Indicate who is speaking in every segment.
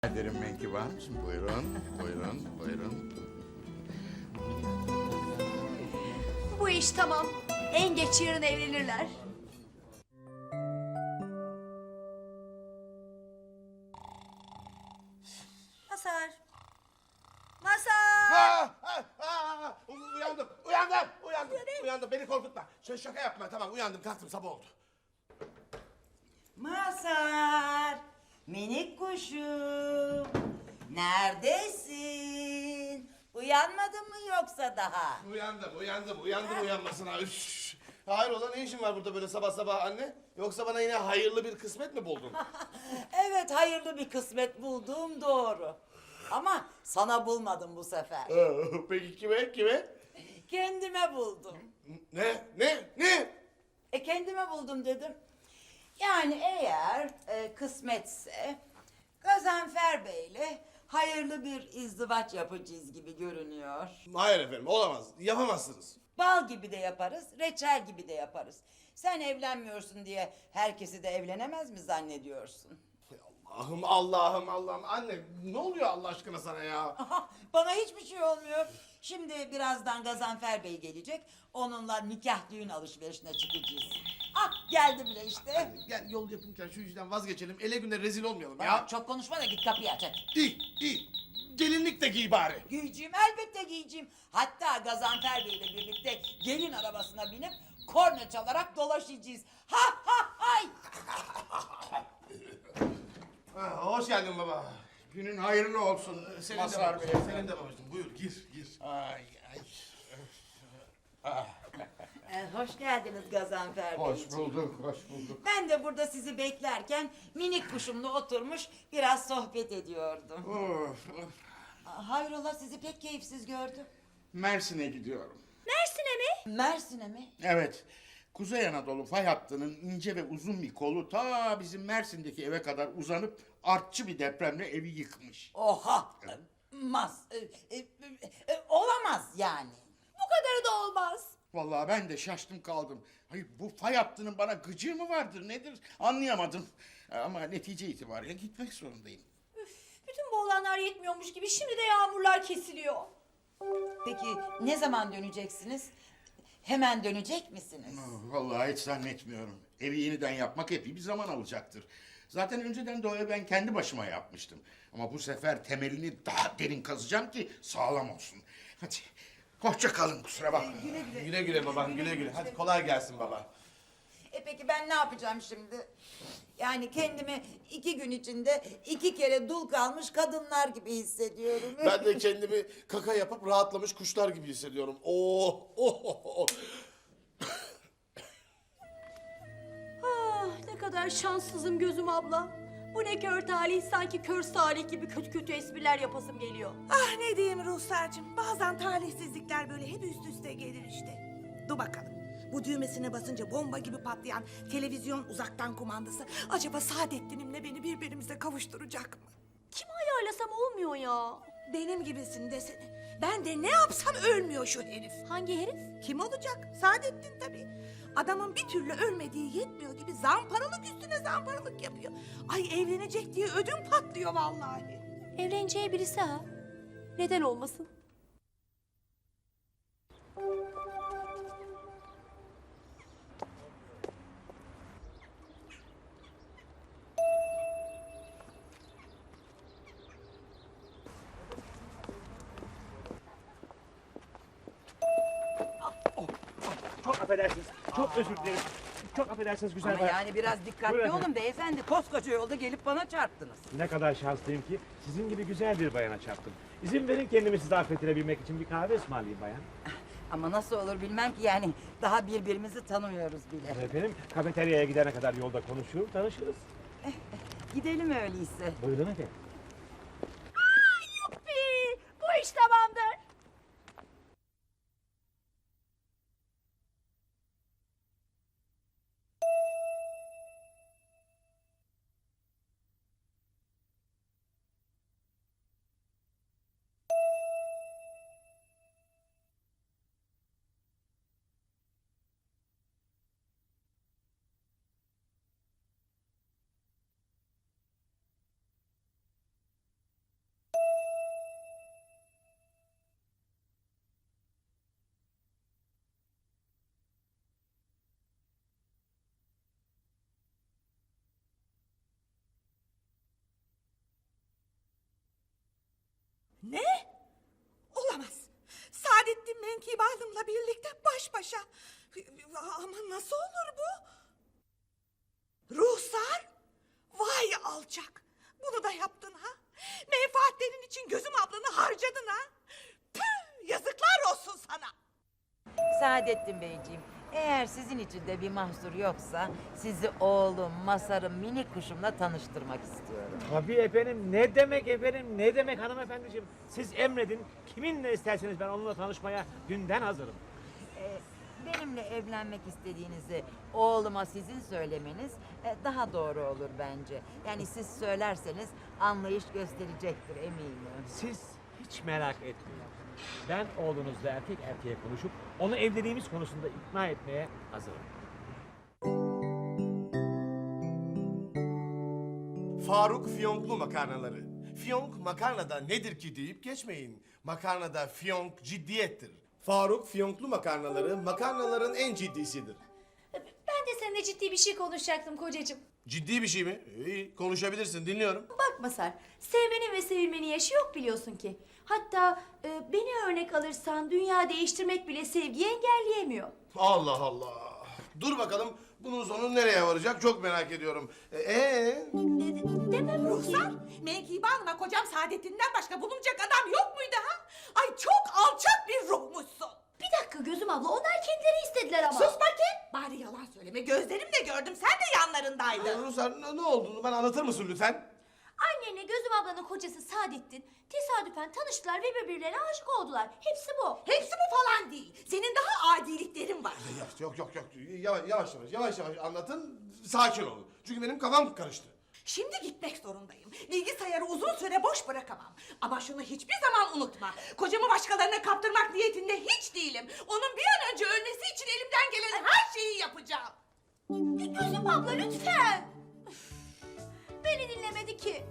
Speaker 1: Ederim Menkıbe Hanımcığım. Buyurun, buyurun, buyurun.
Speaker 2: Bu iş tamam. En geç yarın evlenirler. Masar. Masar.
Speaker 3: Uyandım. Beni korkutma. Şaka yapma. Tamam, uyandım, kalktım, sabah oldu.
Speaker 4: Masar, minik kuşum, neredesin? Uyanmadın mı yoksa daha?
Speaker 3: Uyandım uyanmasına. Üş. Hayrola, ne işin var burada böyle sabah sabah anne? Yoksa bana yine hayırlı bir kısmet mi buldun?
Speaker 4: Evet, hayırlı bir kısmet buldum, doğru. Ama sana bulmadım bu sefer.
Speaker 3: Peki kime?
Speaker 4: Kendime buldum.
Speaker 3: Ne?
Speaker 4: Kendime buldum dedim. Yani eğer kısmetse Gazanfer Bey'le hayırlı bir izdivaç yapacağız gibi görünüyor.
Speaker 3: Hayır efendim, olamaz. Yapamazsınız.
Speaker 4: Bal gibi de yaparız, reçel gibi de yaparız. Sen evlenmiyorsun diye herkesi de evlenemez mi zannediyorsun?
Speaker 3: Allah'ım. Anne, ne oluyor Allah aşkına sana ya?
Speaker 4: Aha, bana hiçbir şey olmuyor. Şimdi birazdan Gazanfer Bey gelecek. Onunla nikah düğün alışverişine çıkacağız. Ah, geldi bile işte.
Speaker 3: Gel, yol yapınken şu işten vazgeçelim. Ele güne rezil olmayalım
Speaker 4: Bana
Speaker 3: ya.
Speaker 4: çok konuşma da git kapıyı aç hadi.
Speaker 3: İyi. Gelinlik de giy bari.
Speaker 4: Giyeceğim, elbette giyeceğim. Hatta Gazanfer Bey'le birlikte gelin arabasına binip korna çalarak dolaşacağız. Ha ha hay!
Speaker 3: Hoş geldin baba.
Speaker 1: Günün hayırlı olsun
Speaker 3: Senin de
Speaker 1: Mazhar Bey.
Speaker 3: babacığım, senin de babacığım. Buyur, gir.
Speaker 1: Ay.
Speaker 4: Hoş geldiniz Gazanfer
Speaker 1: Hoş
Speaker 4: Beyciğim.
Speaker 1: bulduk.
Speaker 4: Ben de burada sizi beklerken minik kuşumla oturmuş biraz sohbet ediyordum.
Speaker 1: Of.
Speaker 4: Hayrola, sizi pek keyifsiz gördüm.
Speaker 1: Mersin'e gidiyorum.
Speaker 2: Mersin'e mi?
Speaker 4: Mersin'e mi?
Speaker 1: Evet. Kuzey Anadolu fay hattının ince ve uzun bir kolu ta bizim Mersin'deki eve kadar uzanıp artçı bir depremle evi yıkmış.
Speaker 4: Oha! Olamaz yani.
Speaker 2: Bu kadarı da olmaz.
Speaker 1: Vallahi ben de şaştım kaldım. Hayır, bu fay hattının bana gıcığı mı vardır nedir anlayamadım. Ama netice itibariyle gitmek zorundayım.
Speaker 2: Bütün bu olanlar yetmiyormuş gibi şimdi de yağmurlar kesiliyor.
Speaker 4: Peki ne zaman döneceksiniz? Hemen dönecek misiniz?
Speaker 1: Vallahi hiç zannetmiyorum. Evi yeniden yapmak epey bir zaman alacaktır. Zaten önceden de o evi ben kendi başıma yapmıştım. Ama bu sefer temelini daha derin kazacağım ki sağlam olsun. Hadi hoşça kalın, kusura bakma.
Speaker 3: Güle babam, güle. Hadi kolay gelsin baba.
Speaker 4: Peki ben ne yapacağım şimdi? Yani kendimi 2 gün içinde 2 kere dul kalmış kadınlar gibi hissediyorum.
Speaker 3: Ben de kendimi kaka yapıp rahatlamış kuşlar gibi hissediyorum. Oh.
Speaker 2: Ah, ne kadar şanssızım gözüm abla. Bu ne kör talih, sanki kör salih gibi kötü kötü espriler yapasım geliyor.
Speaker 5: Ah ne diyeyim Ruhsar'cığım, bazen talihsizlikler böyle hep üst üste gelir işte. Dur bakalım, bu düğmesine basınca bomba gibi patlayan televizyon uzaktan kumandası acaba Saadettin'imle beni birbirimize kavuşturacak mı?
Speaker 2: Kim ayarlasam olmuyor ya.
Speaker 5: Benim gibisin desene. Ben de ne yapsam ölmüyor şu herif.
Speaker 2: Hangi herif?
Speaker 5: Kim olacak? Saadettin tabii. Adamın bir türlü ölmediği yetmiyor gibi zamparalık üstüne zamparalık yapıyor. Ay evlenecek diye ödüm patlıyor vallahi.
Speaker 2: Evleneceği birisi ha. Neden olmasın?
Speaker 6: Çok affedersiniz. Çok özür dilerim. Çok affedersiniz güzel
Speaker 4: Ama
Speaker 6: bayan.
Speaker 4: yani biraz dikkatli
Speaker 6: Buyurun
Speaker 4: olun
Speaker 6: efendim.
Speaker 4: beyefendi. Koskoca yolda gelip bana çarptınız.
Speaker 6: Ne kadar şanslıyım ki sizin gibi güzel bir bayana çarptım. İzin verin kendimi size affettirebilmek için bir kahve ısmarlayayım bayan.
Speaker 4: Ama nasıl olur bilmem ki, yani daha birbirimizi tanımıyoruz bile.
Speaker 6: Efendim kafeteryaya gidene kadar yolda konuşur, tanışırız.
Speaker 4: Gidelim öyleyse.
Speaker 6: Buyurun efendim.
Speaker 2: Yuppi! Bu iş tamamdır.
Speaker 5: Menkibe Hanım'la birlikte baş başa. Ama nasıl olur bu? Ruhsar? Vay alçak. Bunu da yaptın ha? Menfaatlerin için gözüm ablanı harcadın ha? Püh, yazıklar olsun sana.
Speaker 4: Saadettin Beyciğim, eğer sizin için de bir mahsur yoksa sizi oğlum, Masar'ım, minik kuşumla tanıştırmak istiyorum.
Speaker 6: Tabii efendim, ne demek efendim, ne demek hanımefendiciğim. Siz emredin, kiminle isterseniz ben onunla tanışmaya dünden hazırım.
Speaker 4: Benimle evlenmek istediğinizi oğluma sizin söylemeniz daha doğru olur bence. Yani siz söylerseniz anlayış gösterecektir eminim.
Speaker 6: Siz hiç merak etmeyin. Ben oğlunuzla erkek erkeğe konuşup onu evliliğimiz konusunda ikna etmeye hazırım.
Speaker 3: Faruk fiyonklu makarnaları. Fiyonk makarnada nedir ki deyip geçmeyin. Makarnada fiyonk ciddiyettir. Faruk fiyonklu makarnaları makarnaların en ciddisidir.
Speaker 2: Ben de seninle ciddi bir şey konuşacaktım kocacığım.
Speaker 3: Ciddi bir şey mi? İyi, konuşabilirsin, dinliyorum.
Speaker 2: Bak Masar, sevmenin ve sevilmenin yaşı yok biliyorsun ki. Hatta beni örnek alırsan dünya değiştirmek bile sevgiyi engelleyemiyor.
Speaker 3: Allah Allah. Dur bakalım bunun sonu nereye varacak çok merak ediyorum.
Speaker 2: Demem
Speaker 5: Ruhsar, Menkibe Hanım'a kocam Saadettin'den başka bulunacak adam yok muydu ha? Ay çok alçak bir ruhmuşsun.
Speaker 2: Bir dakika Gözüm abla, onlar kendileri istediler ama.
Speaker 5: Sus bakayım. Bari yalan söyleme. Gözlerimle gördüm. Sen de yanlarındaydın.
Speaker 3: Ruslar ne olduğunu bana anlatır mısın lütfen?
Speaker 2: Annenle Gözüm ablanın kocası Saadettin tesadüfen tanıştılar ve birbirlerine aşık oldular. Hepsi bu.
Speaker 5: Hepsi bu falan değil. Senin daha adiliklerin var.
Speaker 3: Yok. Yavaş anlatın. Sakin olun. Çünkü benim kafam karıştı.
Speaker 5: Şimdi gitmek zorundayım. Bilgisayarı uzun süre boş bırakamam. Ama şunu hiçbir zaman unutma. Kocamı başkalarına kaptırmak niyetinde hiç değilim. Onun bir an önce ölmesi için elimden gelen her şeyi yapacağım.
Speaker 2: Gözüm abla lütfen. Üf, beni dinlemedi ki.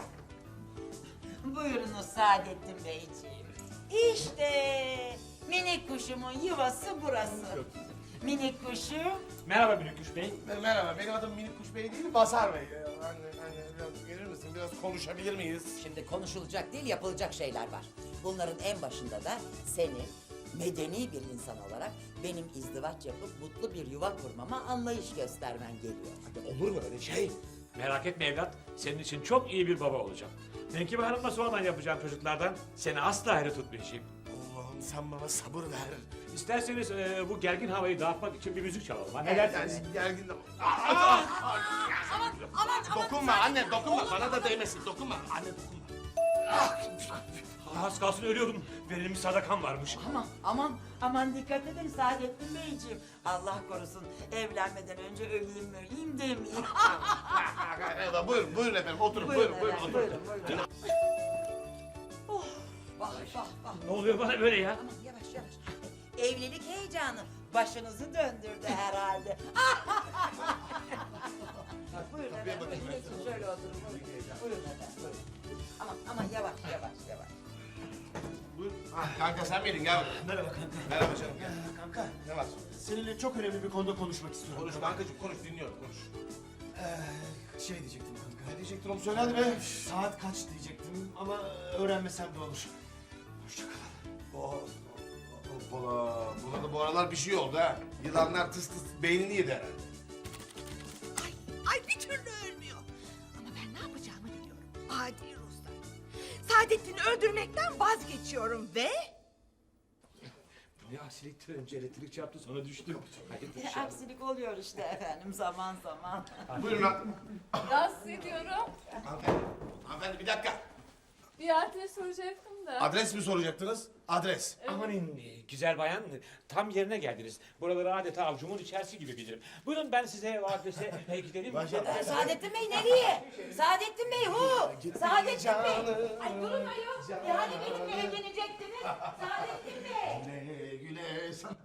Speaker 4: Buyurunuz Saadettin Beyciğim. İşte minik kuşumun yuvası burası. Minik kuşum.
Speaker 6: Merhaba Bülüküş Bey.
Speaker 3: Merhaba, benim adım Minik Kuş Bey değil, Basar Bey. Anne, biraz gelir misin? Biraz konuşabilir miyiz?
Speaker 4: Şimdi konuşulacak değil yapılacak şeyler var. Bunların en başında da senin medeni bir insan olarak benim izdivaç yapıp mutlu bir yuva kurmama anlayış göstermen geliyor.
Speaker 3: Olur mu öyle şey?
Speaker 6: Merak etme evlat, senin için çok iyi bir baba olacağım. Menkibe Hanım'la sonradan yapacağım çocuklardan seni asla ayrı tutmayacağım.
Speaker 3: Allah'ım sen bana sabır ver.
Speaker 6: İsterseniz bu gergin havayı dağıtmak için bir müzik çalalım. Ha, ne dersiniz?
Speaker 3: Yani gergin de... Dokunma anne, dokunma. Bana da değmesin, dokunma. Anne dokunma.
Speaker 6: Az kalsın ölüyordum. Verilmiş sadakam varmış.
Speaker 4: Aman dikkat edin Saadettin Beyciğim. Allah korusun evlenmeden önce öleyim demeyeyim.
Speaker 3: Evet, buyurun efendim, oturun. Buyurun.
Speaker 4: Buyurun. Vah.
Speaker 6: Ne oluyor bana böyle ya?
Speaker 4: Aman yavaş. Evlilik heyecanı başınızı döndürdü herhalde. Buyurun efendim. Geçin şöyle oturun. Buyurun efendim. Buyurun. Aman yavaş.
Speaker 3: Buyur. Kanka sen miydin? Gel bakalım.
Speaker 7: Merhaba kanka.
Speaker 3: Merhaba canım, gel.
Speaker 7: Kanka,
Speaker 3: Ne var?
Speaker 7: seninle çok önemli bir konuda konuşmak istiyorum.
Speaker 3: Konuş kankacığım, konuş, dinliyorum, konuş.
Speaker 7: Şey diyecektim kanka.
Speaker 3: Ne diyecektin oğlum, söyle hadi be.
Speaker 7: Saat kaç diyecektim ama öğrenmesem de olur. Hoşça kal.
Speaker 3: Buna da bu aralar bir şey oldu ha. Yılanlar tıs beynini yedi herhalde.
Speaker 5: Ay bir türlü ölmüyor. Ama ben ne yapacağımı biliyorum. Adi Ruslar. Saadettin'i öldürmekten vazgeçiyorum ve...
Speaker 6: Ne aksiliktir önce elektrik çarptı sonra düştüm. Hayırdır
Speaker 4: Aksilik oluyor işte efendim zaman.
Speaker 3: Buyurun lan.
Speaker 8: Rahatsız ediyorum.
Speaker 3: Hanımefendi bir dakika.
Speaker 8: Bir adres soracaktım da.
Speaker 3: Adres mi soracaktınız? Adres.
Speaker 6: Amanın güzel bayan, tam yerine geldiniz. Buraları adeta avucumun içerisi gibi bilirim. Buyurun ben size o adrese gidelim.
Speaker 4: Saadettin Bey nereye? Saadettin Bey hu! Saadettin Bey! Ay durun ayol! Yani benimle evlenecektiniz. Saadettin Bey!
Speaker 3: Güle sana.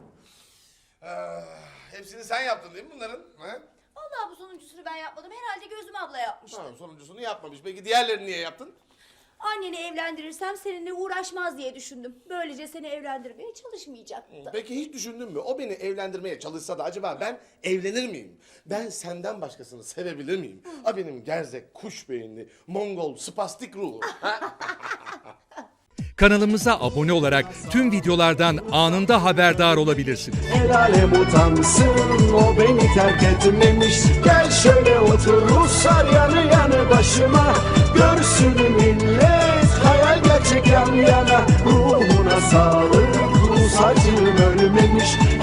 Speaker 3: Hepsini sen yaptın değil mi bunların? Ha?
Speaker 2: Vallahi bu sonuncusunu ben yapmadım. Herhalde Gözüm abla yapmıştı.
Speaker 3: Tamam, sonuncusunu yapmamış. Peki diğerlerini niye yaptın?
Speaker 2: Anneni evlendirirsem seninle uğraşmaz diye düşündüm. Böylece seni evlendirmeye çalışmayacaktı.
Speaker 3: Peki hiç düşündün mü? O beni evlendirmeye çalışsa da acaba ben evlenir miyim? Ben senden başkasını sevebilir miyim? A benim gerzek, kuş beyinli, Mongol, spastik ruhu.
Speaker 9: Kanalımıza abone olarak tüm videolardan anında haberdar olabilirsiniz.
Speaker 10: El alem utansın, o beni terk etmemiş. Gel şöyle otur Ruslar yanı yanı başıma. Görsün millet, hayal gerçek yan yana. Ruhuna sağlık, Rus acım ölmemiş.